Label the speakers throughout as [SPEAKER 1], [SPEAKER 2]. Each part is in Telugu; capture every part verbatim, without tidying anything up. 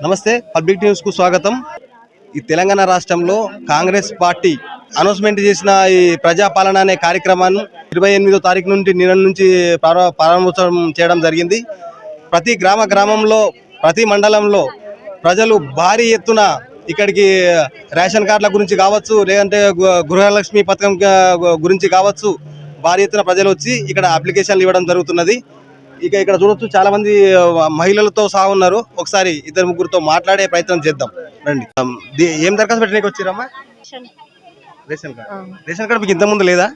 [SPEAKER 1] నమస్తే పబ్లిక్ న్యూస్ కు స్వాగతం। ఈ తెలంగాణ రాష్ట్రంలో కాంగ్రెస్ పార్టీ అనౌన్స్మెంట్ చేసిన ఈ ప్రజాపాలన అనే కార్యక్రమాన్ని ఇరవై ఎనిమిదో తారీఖు నుండి నిన్న నుంచి ప్రారంభోత్సవం చేయడం జరిగింది। ప్రతి గ్రామ గ్రామంలో ప్రతి మండలంలో ప్రజలు భారీ ఎత్తున ఇక్కడికి రేషన్ కార్డుల గురించి కావచ్చు, లేదంటే గృహలక్ష్మి పథకం గురించి కావచ్చు, భారీ ఎత్తున ప్రజలు వచ్చి ఇక్కడ అప్లికేషన్లు ఇవ్వడం జరుగుతున్నది। ఇక ఇక్కడ చూడొచ్చు చాలా మంది మహిళలతో సహా ఉన్నారు। ఒకసారి ఇద్దరు ముగ్గురుతో మాట్లాడే ప్రయత్నం చేద్దాం రండి। ఏం దరఖాస్తు పెట్టడానికి వచ్చిరమ్మా? Ration card. రేషన్ కార్డు మీకు ఇంత ముందు లేదా?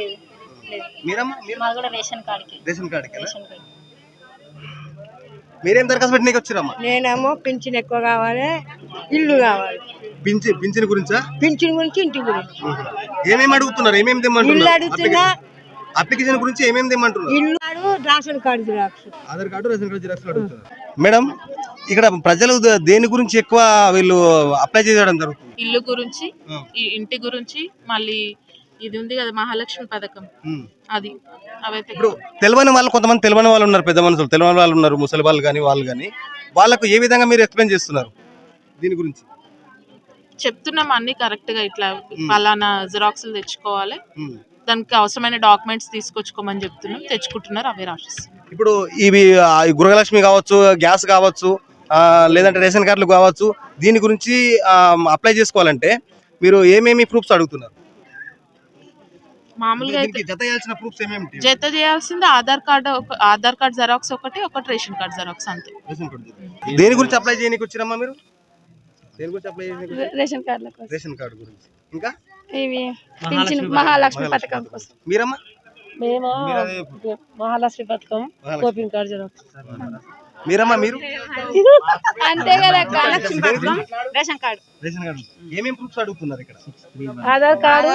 [SPEAKER 1] మీరేం దరఖాస్తు పెట్టడానికి వచ్చిరమ్మా?
[SPEAKER 2] నేనేమో పింఛన్ ఎక్కువ కావాలి, ఇల్లు కావాలి।
[SPEAKER 1] పింఛన్ పింఛన్ గురించా?
[SPEAKER 2] పింఛన్ గురించి, ఇంటి గురించి
[SPEAKER 1] ఏమేమి అడుగుతున్నారు? ఏమేమి తెమ్మంటున్నారు?
[SPEAKER 2] ఇల్లు అడుగుతున్నా,
[SPEAKER 1] అప్లికేషన్ గురించి ఏమేమి తెమ్మంటున్నారు?
[SPEAKER 2] ఇల్లు ration card xerox,
[SPEAKER 1] Aadhaar card, ration card xerox అడుగుతున్నారు। మేడం, ఇక్కడ ప్రజలు దేని గురించి ఎక్కువ వీళ్ళు అప్లై చేయడం జరుగుతుంది?
[SPEAKER 3] ఇల్లు గురించి, ఇంటి గురించి, మళ్ళీ ఇది ఉంది కదా మహాలక్ష్మి పథకం, అది అవైతే
[SPEAKER 1] ఇప్పుడు తెలియని వాళ్ళు కొంతమంది తెలియని వాళ్ళు ఉన్నారు, పెద్ద మనుషులు తెలియని వాళ్ళు ఉన్నారు, ముసలి వాళ్ళు కానీ వాళ్ళు కానీ, వాళ్ళకు ఏ విధంగా మీరు ఎక్స్ప్లెయిన్ చేస్తున్నారు దీని గురించి?
[SPEAKER 3] చెప్తున్నాం అన్ని కరెక్ట్ గా, ఇట్లా పలానా జిరాక్స్లు తెచ్చుకోవాలి, దానికి అవసరమైన డాక్యుమెంట్స్ తీసుకొచ్చుకోమని చెప్తున్నాం, తెచ్చుకుంటున్నారు, అవే రాసిస్తున్నాం।
[SPEAKER 1] ఇప్పుడు ఇవి గృహలక్ష్మి కావచ్చు, గ్యాస్ కావచ్చు, లేదంటే రేషన్ కార్డులు కావచ్చు, దీని గురించి అప్లై చేసుకోవాలంటే మీరు ఏమేమి ప్రూఫ్స్ అడుగుతున్నారు?
[SPEAKER 3] మామూలుగా
[SPEAKER 1] జత చేయాల్సిన ప్రూఫ్స్ ఏమేమి?
[SPEAKER 3] జత చేయాల్సింది Aadhaar card, Aadhaar card xerox ఒకటి, ఒకటి రేషన్ కార్డు జెరాక్స్, అంతే।
[SPEAKER 1] దేని గురించి అప్లై చేయడానికి వచ్చిరమ్మా మీరు? దేని గురించి అప్లై చేయడానికి?
[SPEAKER 2] రేషన్ కార్డు
[SPEAKER 1] రేషన్ కార్డు గురించి, ఇంకా
[SPEAKER 2] ఇవి పింఛన్ మహాలక్ష్మి పథకం కోసం।
[SPEAKER 1] మీరమ్మా?
[SPEAKER 2] మేము మహాలక్ష్మి పథకం, కోపింగ్ కార్డు జెరాక్స్।
[SPEAKER 1] మీరమ్మా? మీరు
[SPEAKER 2] అంతే కదా, లక్ష్మి పథకం, రేషన్ కార్డు।
[SPEAKER 1] రేషన్ కార్డు ఏమేం ప్రూఫ్స్ అడుగుతున్నారు ఇక్కడ?
[SPEAKER 2] ఆధార్ కార్డు,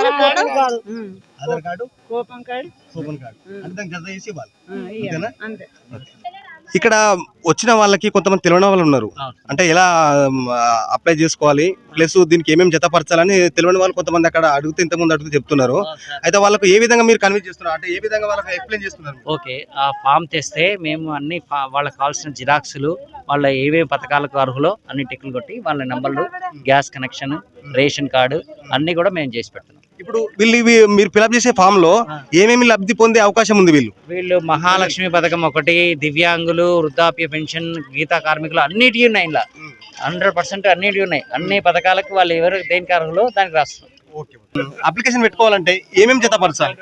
[SPEAKER 1] ఆధార్ కార్డు,
[SPEAKER 2] కోపం కార్డు,
[SPEAKER 1] కూపన్ కార్డు, అంటే దానికి జత చేసి ఇవ్వాలి, అంతేనా?
[SPEAKER 2] అంతే।
[SPEAKER 1] ఇక్కడ వచ్చిన వాళ్ళకి కొంతమంది తెలియని వాళ్ళు ఉన్నారు, అంటే ఎలా అప్లై చేసుకోవాలి, ప్లస్ దీనికి ఏమేమి జతపరచాలని తెలియని వాళ్ళు కొంతమంది అక్కడ అడిగితే ఇంతకుముందు అడుగుతూ చెప్తున్నారు। అయితే వాళ్ళకు ఏ విధంగా మీరు కన్విన్స్ చేస్తున్నారు, అంటే ఏ విధంగా వాళ్ళకి ఎక్స్ప్లెయిన్ చేస్తున్నారు?
[SPEAKER 4] ఓకే, ఆ ఫామ్ తెస్తే మేము అన్ని వాళ్ళకి కావాల్సిన జిరాక్స్లు, వాళ్ళ ఏవేవి పథకాలకు అర్హులో అన్ని టిక్లు కొట్టి వాళ్ళ నెంబర్లు, గ్యాస్ కనెక్షన్, రేషన్ కార్డు అన్ని కూడా మేము చేసి పెడుతున్నాం।
[SPEAKER 1] ఇప్పుడు వీళ్ళు మీరు ఫిలప్ చేసే ఫామ్ లో ఏమేమి లబ్ధి పొందే అవకాశం ఉంది? వీళ్ళు
[SPEAKER 4] వీళ్ళు మహాలక్ష్మి పథకం ఒకటి, దివ్యాంగులు, వృద్ధాప్య పెన్షన్, గీతా కార్మికులు అన్నిటి ఉన్నాయి, ఇలా హండ్రెడ్ పర్సెంట్ అన్నిటి ఉన్నాయి। అన్ని పథకాలకు వాళ్ళు ఎవరు దేనికి అర్హులో దానికి రాస్తారు।
[SPEAKER 1] అప్లికేషన్ పెట్టుకోవాలంటే ఏమేమి జతపరచాలి?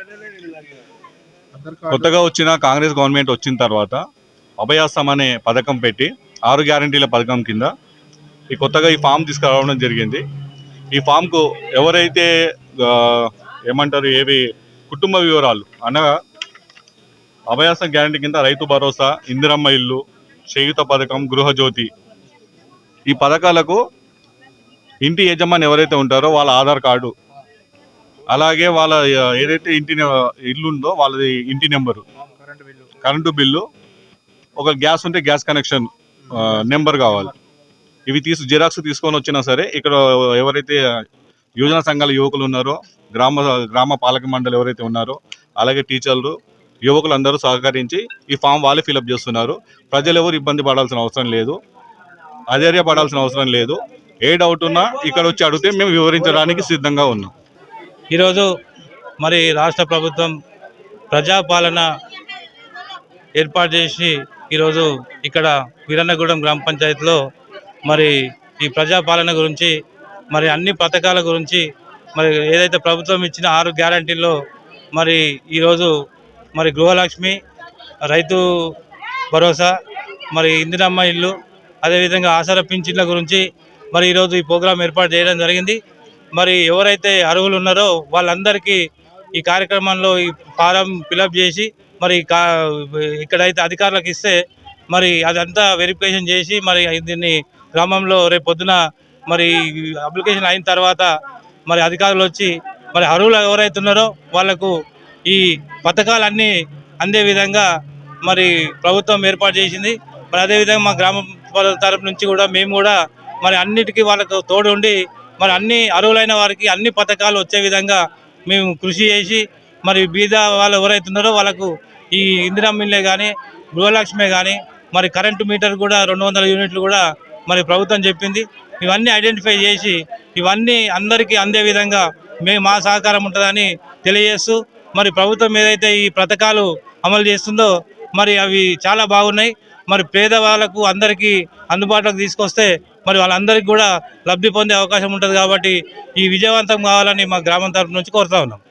[SPEAKER 5] కొత్తగా వచ్చిన కాంగ్రెస్ గవర్నమెంట్ వచ్చిన తర్వాత అభయాసం అనే పథకం పెట్టి ఆరు గ్యారంటీల పథకం కింద ఈ కొత్తగా ఈ ఫామ్ తీసుకురావడం జరిగింది। ఈ ఫామ్కు ఎవరైతే ఏమంటారు ఏవి కుటుంబ వివరాలు అనగా అభయాసం గ్యారంటీ కింద రైతు భరోసా, ఇందిరమ్మ ఇల్లు, చేయూత పథకం, గృహజ్యోతి, ఈ పథకాలకు ఇంటి యజమాని ఎవరైతే ఉంటారో వాళ్ళ ఆధార్ కార్డు, అలాగే వాళ్ళ ఏదైతే ఇంటి ఇల్లు ఉందో వాళ్ళది ఇంటి నెంబరు, కరెంటు బిల్లు, ఒక గ్యాస్ ఉంటే గ్యాస్ కనెక్షన్ నెంబర్ కావాలి। ఇవి తీసు జిరాక్స్ తీసుకొని వచ్చినా సరే ఇక్కడ ఎవరైతే యోజన సంఘాల యువకులు ఉన్నారో, గ్రామ గ్రామ పాలక మండలి ఎవరైతే ఉన్నారో, అలాగే టీచర్లు, యువకులు అందరూ సహకరించి ఈ ఫామ్ వాళ్ళే ఫిలప్ చేస్తున్నారు। ప్రజలు ఎవరు ఇబ్బంది పడాల్సిన అవసరం లేదు, అధైర్యపడాల్సిన అవసరం లేదు। ఏ డౌట్ ఉన్నా ఇక్కడ వచ్చి అడిగితే మేము వివరించడానికి సిద్ధంగా ఉన్నాం।
[SPEAKER 6] ఈరోజు మరి రాష్ట్ర ప్రభుత్వం ప్రజాపాలన ఏర్పాటు చేసి ఈరోజు ఇక్కడ వీరన్నగూడెం గ్రామ పంచాయతీలో మరి ఈ ప్రజాపాలన గురించి, మరి అన్ని పథకాల గురించి, మరి ఏదైతే ప్రభుత్వం ఇచ్చిన ఆరు గ్యారంటీల్లో మరి ఈరోజు మరి గృహలక్ష్మి, రైతు భరోసా, మరి ఇందిరమ్మ ఇల్లు, అదేవిధంగా ఆసరా పింఛన్ల గురించి మరి ఈరోజు ఈ ప్రోగ్రాం ఏర్పాటు చేయడం జరిగింది। మరి ఎవరైతే అర్హులు ఉన్నారో వాళ్ళందరికీ ఈ కార్యక్రమంలో ఈ ఫారం ఫిలప్ చేసి మరి ఇక్కడైతే అధికారులకు ఇస్తే మరి అదంతా వెరిఫికేషన్ చేసి మరి దీన్ని గ్రామంలో రేపు పొద్దున మరి అప్లికేషన్ అయిన తర్వాత మరి అధికారులు వచ్చి మరి అర్హులు ఎవరైతే ఉన్నారో వాళ్లకు ఈ పథకాలన్నీ అందే విధంగా మరి ప్రభుత్వం ఏర్పాటు చేసింది। మరి అదేవిధంగా మా గ్రామ తరపు నుంచి కూడా మేము కూడా మరి అన్నిటికీ వాళ్ళకు తోడు ఉండి మరి అన్ని అర్హులైన వారికి అన్ని పథకాలు వచ్చే విధంగా మేము కృషి చేసి మరి బీద వాళ్ళు ఎవరైతే ఉన్నారో వాళ్ళకు ఈ ఇందిరమ్మ ఇల్లే కానీ, గృహలక్ష్మి కానీ, మరి కరెంటు మీటర్ కూడా రెండు వందల యూనిట్లు కూడా మరి ప్రభుత్వం చెప్పింది. ఇవన్నీ ఐడెంటిఫై చేసి ఇవన్నీ అందరికీ అందే విధంగా మేము మా సహకారం ఉంటుందని తెలియజేస్తూ మరి ప్రభుత్వం ఏదైతే ఈ పథకాలు అమలు చేస్తుందో మరి అవి చాలా బాగున్నాయి. మరి పేదవాళ్ళకు అందరికీ అందుబాటులోకి తీసుకొస్తే మరి వాళ్ళందరికీ కూడా లబ్ధి పొందే అవకాశం ఉంటుంది. కాబట్టి ఈ విజయవంతం కావాలని మా గ్రామం తరపు నుంచి కోరుతా ఉన్నాం.